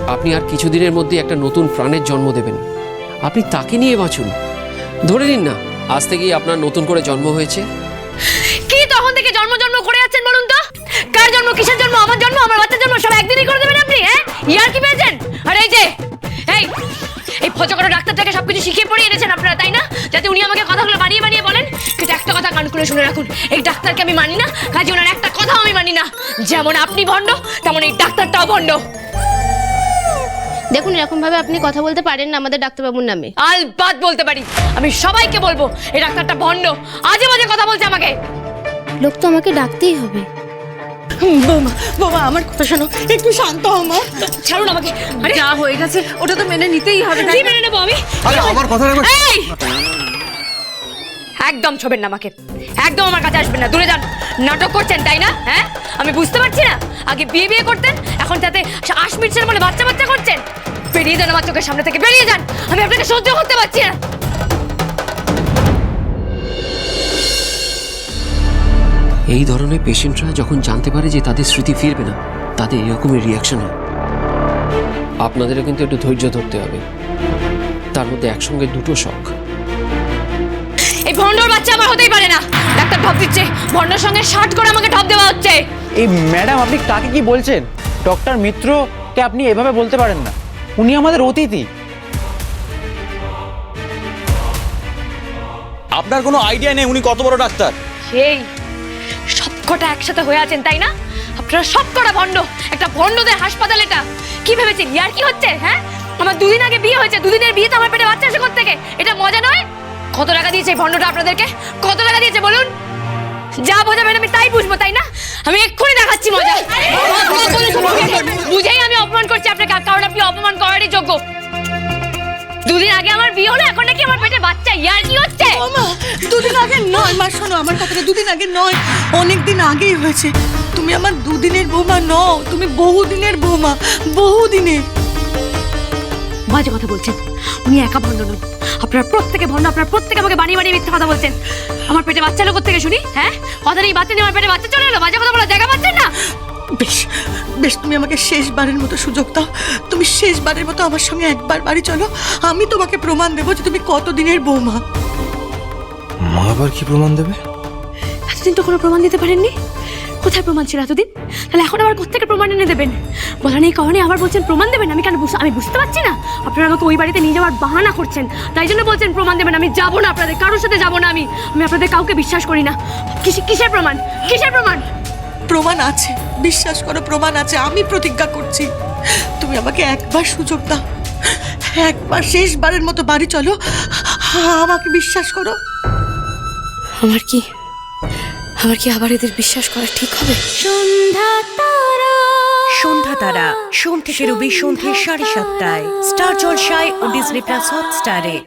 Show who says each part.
Speaker 1: আপনি আর কিছুদিনের মধ্যে একটা নতুন প্রাণের জন্ম দেবেন। আপনি তাকে নিয়ে বাঁচুন। ধরে নিন না আজ থেকেই আপনার নতুন করে জন্ম হয়েছে।
Speaker 2: কি তখন থেকে জন্ম জন্ম করে যাচ্ছেন বলুন তো? কার জন্ম, কিসের জন্ম? আমার জন্ম, আমার বাচ্চার জন্ম সব একদিনই করে দেবেন আপনি? হ্যাঁ, ইয়ার কি পেয়েছেন? আর এই যে এই ফজকরা ডাক্তারটাকে সবকিছু শিখিয়ে পড়িয়ে এনেছেন আপনারা, তাই না? যাতে উনি আমাকে কথাগুলো বানিয়ে বানিয়ে বলেন। কিন্তু একটা কথা কান খুলে শুনে রাখুন, এই ডাক্তারকে আমি মানি না, কাজে ওনার একটা কথাও আমি মানি না। যেমন আপনি ভণ্ড, তেমন এই ডাক্তারটাও ভণ্ড।
Speaker 3: দেখুন, এরকম ভাবে আপনি কথা বলতে পারেন না আমাদের ডাক্তারবাবুর নামে।
Speaker 2: আলবাত বলতে পারি, আমি সবাইকে বলবো এই ডাক্তারটা ভণ্ড, আজে বাজে কথা বলছে আমাকে।
Speaker 3: লোক তো আমাকে ডাকতেই হবে।
Speaker 4: বৌমা, বৌমা আমার কথা শোনো, একটু শান্ত হও মা।
Speaker 2: ছাড়ুন আমাকে। আরে
Speaker 4: যা হয়ে গেছে ওটা তো মেনে নিতেই হবে।
Speaker 2: কি মেনে নেবো আমি?
Speaker 5: আরে আমার কথা রাখো।
Speaker 2: এই! একদম ছবেন না আমাকে, একদম আমার কাছে আসবেন না, দূরে যান। নাটক করছেন তাই না? হ্যাঁ, আমি বুঝতে পারছি না। আগে বিয়ে বিয়ে করতেন, এখন তাতে আশ মিটছেন বলে বাচ্চা বাচ্চা করছেন। বেরিয়ে যান আমার চোখের সামনে থেকে, বেরিয়ে যান। আমি আপনাকে সহ্য করতে পারছি না।
Speaker 1: এই ধরনের পেশেন্টরা যখন জানতে পারে যে তাদের স্মৃতি ফিরবে না, তাদের এরকমই রিয়াকশন হয়। আপনাদেরও কিন্তু একটু ধৈর্য ধরতে হবে, তার মধ্যে একসঙ্গে দুটো শখ।
Speaker 2: এই ভণ্ডর বাচ্চা আমার হতেই পারে না। ডাক্তার ঢপ দিচ্ছে, ভণ্ডর সঙ্গে শার্ট করে আমাকে ঢপ দেওয়া হচ্ছে।
Speaker 6: এই ম্যাডাম, আপনি কাকে কি বলছেন? ডক্টর মিত্রকে আপনি এভাবে বলতে পারেন না, উনি আমাদের অতিথি।
Speaker 5: আপনার কোনো আইডিয়া নেই উনি কত বড় ডাক্তার।
Speaker 2: সেই সবকটা একসাথে হয়ে আছেন তাই না? আপনারা সবকটা ভণ্ড, একটা ভণ্ডদের হাসপাতাল এটা। কি ভেবেছেন ইয়ার কি হচ্ছে? হ্যাঁ, আমার দুদিন আগে বিয়ে হয়েছে, দুদিনের বিয়ে তো আমার পেটে বাচ্চা আসে কোত্থেকে? এটা মজা নয়? কত টাকা দিয়েছে এই ভণ্ডটা আপনাদেরকে? কত টাকা দিয়েছে বলুন? যা বোঝাবেন আমি তাই বুঝবো, তাই না? আমি এক্ষুনি দেখাচ্ছি মজা। বুঝেই আমি অপমান করছি আপনাকে, কারণ আপনি অপমান করারই যোগ্য। দুদিন আগে আমার বিয়ে হলো, এখন নাকি আমার পেটে বাচ্চা। ইয়ার কি হচ্ছে?
Speaker 4: বৌমা, দুদিন আগে নয় মা, শোনো আমার কথাটা, দুদিন আগে নয়, অনেক দিন আগেই হয়েছে। তুমি আমার দুদিনের বৌমা নও, তুমি বহুদিনের বৌমা, বহুদিনের।
Speaker 2: বাজে কথা বলছেন। উনি একা ভণ্ড নন, আপনারা প্রত্যেকে ভণ্ড। আপনারা প্রত্যেকে আমাকে বানিয়ে বানিয়ে মিথ্যা কথা বলছেন। আমার পেটে বাচ্চা লোক থেকে শুনি? হ্যাঁ, কথা নেই বাচ্চা নেই, আমার পেটে বাচ্চা চলে এলো। বাজে কথা বলার জায়গা পাচ্ছেন না।
Speaker 4: বেশ বেশ, তুমি আমাকে শেষবারের মতো সুযোগ দাও। তুমি শেষবারের মতো আমার সঙ্গে একবার বাড়ি চলো, আমি তোমাকে প্রমাণ দেবো যে তুমি কতদিনের বৌমা।
Speaker 5: মা আবার কি প্রমাণ দেবে?
Speaker 2: এতদিন তো কোনো প্রমাণ দিতে পারেননি। কোথায় প্রমাণ ছিল এতদিন? তাহলে এখন আবার কোত্থেকে প্রমাণ এনে দেবেন? বলা নেই কখনই আবার বলছেন প্রমাণ দেবেন। আমি কেন আমি বুঝতে পারছি না। আপনারা আমাকে ওই বাড়িতে নিয়ে যাওয়ার বাহানা করছেন, তাই জন্য বলছেন প্রমাণ দেবেন। আমি যাবো না, আপনাদের কারোর সাথে যাবো না। আমি আপনাদের কাউকে বিশ্বাস করি না। কিসের প্রমাণ? কিসের প্রমাণ?
Speaker 4: প্রমাণ আছে, বিশ্বাস করো, প্রমাণ আছে। আমি প্রতিজ্ঞা করছি, তুমি আমাকে একবার সুযোগ দাও, একবার শেষবারের মতো বাড়ি চলো, আমাকে বিশ্বাস করো।
Speaker 2: আমার কি আবার এদের বিশ্বাস করা ঠিক হবে?
Speaker 7: সন্ধ্যা তারা সোম থেকে রবি সন্ধ্যে 7:30টায় স্টার জলসায় ও ডিজনি প্লাস হটস্টারে।